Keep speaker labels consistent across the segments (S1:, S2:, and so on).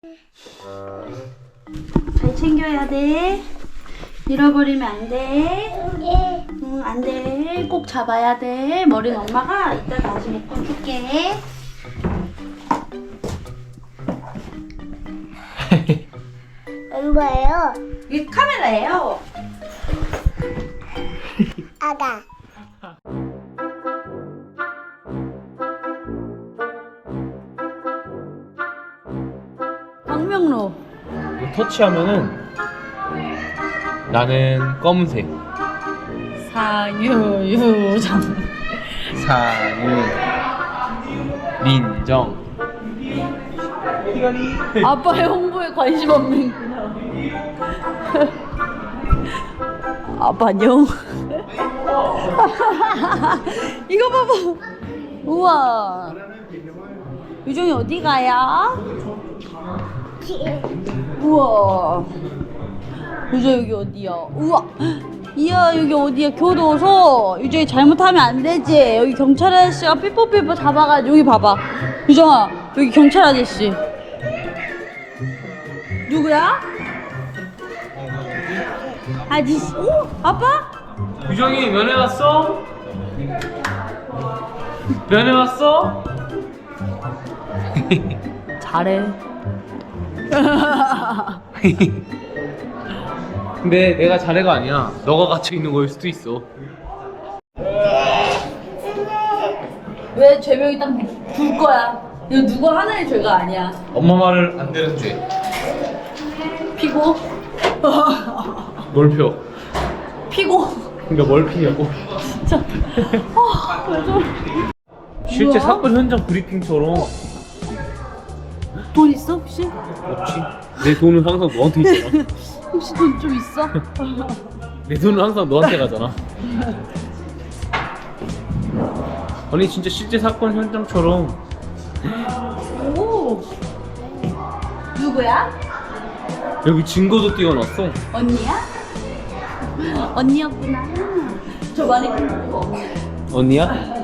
S1: 잘 챙겨야 돼. 잃어버리면 안 돼. 응, 안 돼. 꼭 잡아야 돼. 머리는 엄마가 이따 다시 묶어줄게.
S2: 뭐예요?
S1: 이게 카메라예요.
S2: 아가.
S1: 광명로.
S3: 터치하면은 나는 검은색
S1: 사유유정.
S3: 사유 민정
S1: 아빠의 홍보에 관심 없는구나. 아빠 안녕. 이거 봐봐. 우와. 유정이 어디 가요? 우와. 유정 여기 어디야? 우와. 이야 여기 어디야? 교도소. 유정이 잘못하면 안 되지. 여기 경찰 아저씨가 삐뽀삐뽀 잡아가지고 여기 봐봐. 유정아 여기 경찰 아저씨. 누구야? 아저씨. 오 아빠?
S3: 유정이 면회 왔어? 면회 왔어?
S1: 잘해.
S3: 근데 내가 자네가 아니야. 너가 갇혀 있는 거일 수도 있어.
S1: 왜 죄명이 딱 둘 거야? 이거 누구 하나의 죄가 아니야.
S3: 엄마 말을 안 들은 죄.
S1: 피고.
S3: 뭘 펴?
S1: 피고.
S3: 그러니까 뭘 피냐고.
S1: 진짜. 왜 저래?
S3: 실제
S1: 뭐야?
S3: 사건 현장 브리핑처럼.
S1: 돈 있어 혹시?
S3: 없지. 내 돈은 항상 너한테 있잖아.
S1: 혹시 돈 좀 있어?
S3: 내 돈은 항상 너한테 가잖아. 아니 진짜 실제 사건 현장처럼.
S1: 오. 누구야?
S3: 여기 증거도 띄워놨어.
S1: 언니야? 언니였구나. 저 많이 큰 거.
S3: 언니야?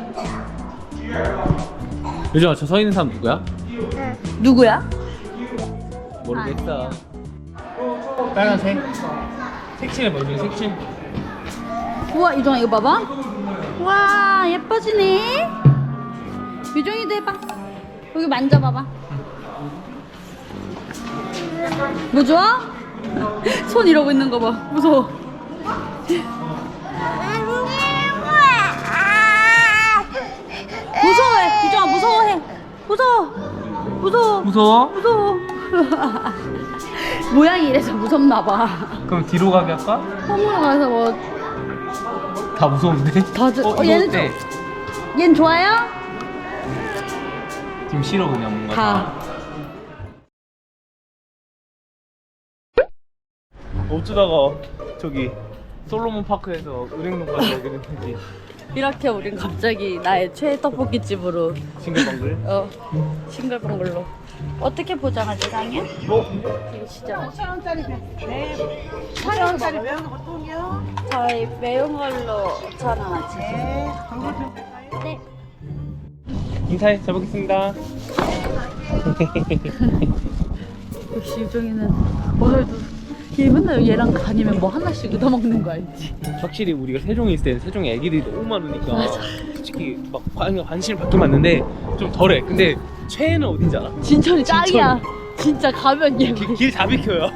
S3: 요즘 저 서 있는 사람 누구야?
S1: 누구야?
S3: 모르겠다. 빨간색. 색칠 봐, 요즘 색칠.
S1: 우와 유정아 이거 봐봐. 와 예뻐지네. 유정이도 해봐. 여기 만져봐봐. 뭐 좋아? 손 이러고 있는 거 봐. 무서워. 무서워해. 유정아 무서워해. 무서워. 무서워.
S3: 무서워?
S1: 무서워. 모양이 이래서 무섭나 봐.
S3: 그럼 뒤로 가게 할까?
S1: 홈으로 가서 뭐
S3: 다 무서운데?
S1: 얘는
S3: 어때?
S1: 얜 좋아요?
S3: 지금 싫어 그냥 뭔가.
S1: 가.
S3: 어쩌다가 저기 솔로몬 파크에서 은행동까지 오게 됐는지.
S1: 이렇게 우린 갑자기 나의 최애 떡볶이 집으로
S3: 싱글벙글.
S1: 싱글벙글로. 어떻게 포장하지 상이야? 이거 진짜
S2: 5,000원짜리 네. 4,000원짜리 매운 거 보통이요?
S1: 저희 매운 걸로 5,000원어치.
S2: 네.
S1: 네.
S3: 인사해. 잘 먹겠습니다.
S1: 역시 유정이는 오늘도 얘 맨날 얘랑 다니면 뭐 하나씩 얻어먹는 거 알지?
S3: 확실히 우리가 세종에 있을 때는 세종에 애기들이 너무 많으니까 솔직히 막 관심을 받긴 받는데 좀 덜해. 근데 최애는 어딘지 알아?
S1: 진천이 짱이야. 진짜 가면 얘
S3: 길 다 비켜요.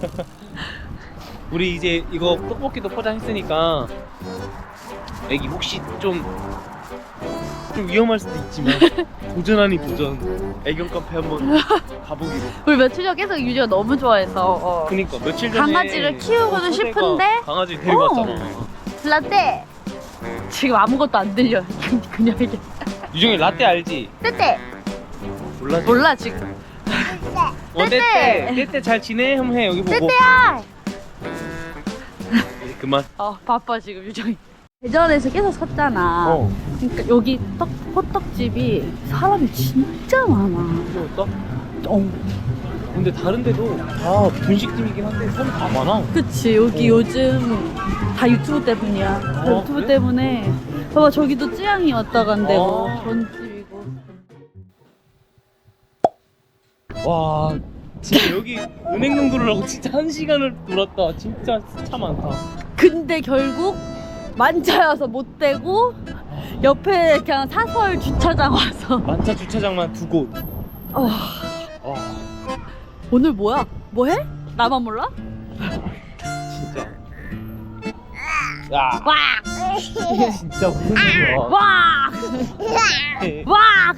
S3: 우리 이제 이거 떡볶이도 포장했으니까 애기 혹시 좀 위험할 수도 있지만 도전 아닌 도전 애견 카페 한번 가보기로.
S1: 우리 며칠 전 계속 유지가 너무 좋아해서
S3: 그니까 며칠 전에
S1: 강아지를 키우고도
S3: 초대가
S1: 싶은데
S3: 강아지 데리고 왔잖아.
S1: 라떼 지금 아무것도 안 들려. 그냥 이게
S3: 유정이 라떼 알지?
S1: 떼떼
S3: 몰라.
S1: 몰라 지금. 떼떼.
S3: 떼떼 잘 지내? 한번 해 여기 보고.
S1: 떼떼야.
S3: 이제 그만.
S1: 바빠 지금 유정이. 대전에서 계속 섰잖아. 그러니까 여기 호떡집이 사람이 진짜 많아.
S3: 귀여웠다.
S1: 어.
S3: 근데 다른 데도 다 분식집이긴 한데 사람 다 많아.
S1: 그치 여기 요즘 다 유튜브 때문이야. 다
S3: 어,
S1: 유튜브
S3: 그래?
S1: 때문에 봐봐 저기도 쯔양이 왔다 간대고
S3: 아.
S1: 전집이고.
S3: 와 진짜 여기 은행동 돌으라고 진짜 1시간을 돌았다. 진짜 차 많다.
S1: 근데 결국 만차여서 못 되고 옆에 그냥 사설 주차장 와서
S3: 만차 주차장만 2곳.
S1: 어, 오늘 뭐야? 뭐 해? 나만 몰라?
S3: 진짜. 야,
S1: 와!
S3: 진짜 무슨 일이야?
S1: 와! 와!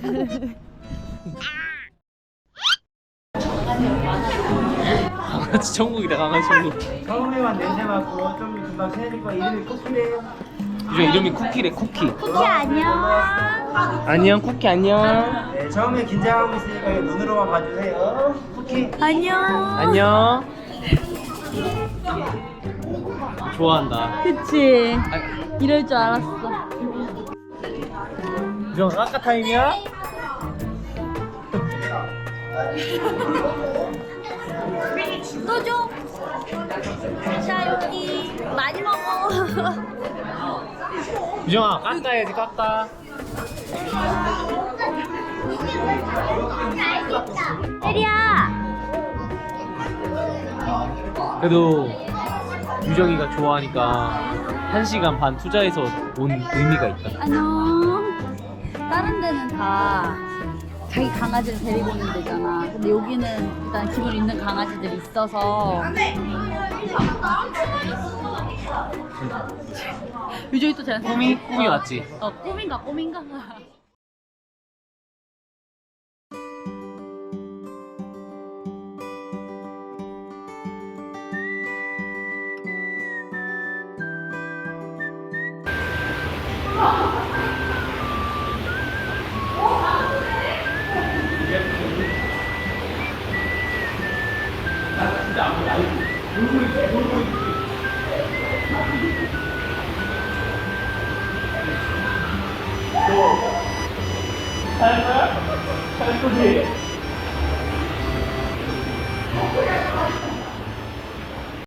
S3: 강아지 천국이다, 강아지 천국.
S2: 처음에만 냄새 맡고 좀 금방 친해질 거야. 이름이 쿠키래요.
S3: 요즘 이름이 쿠키래, 쿠키.
S1: 쿠키 안녕.
S3: 안녕, 쿠키 안녕.
S2: 네, 처음에 긴장하고 있으니까 이거 눈으로만 봐주세요. 쿠키.
S1: 안녕.
S3: 안녕. 좋아한다.
S1: 그치. 이럴 줄 알았어.
S3: 유정 아까 타임이야?
S1: 또 줘. 자, 여기 많이 먹어.
S3: 유정아 깎아야지 깎아.
S1: 혜리야.
S3: 그래도 유정이가 좋아하니까 1시간 반 투자해서 온 의미가 있다.
S1: 안녕. 다른 데는 다 자기 강아지를 데리고 오는 데잖아. 근데 여기는 일단 기본 있는 강아지들이 있어서. 유정이 또 쟤한테
S3: 꿈이 왔지?
S1: 꿈인가?
S3: 할 거지?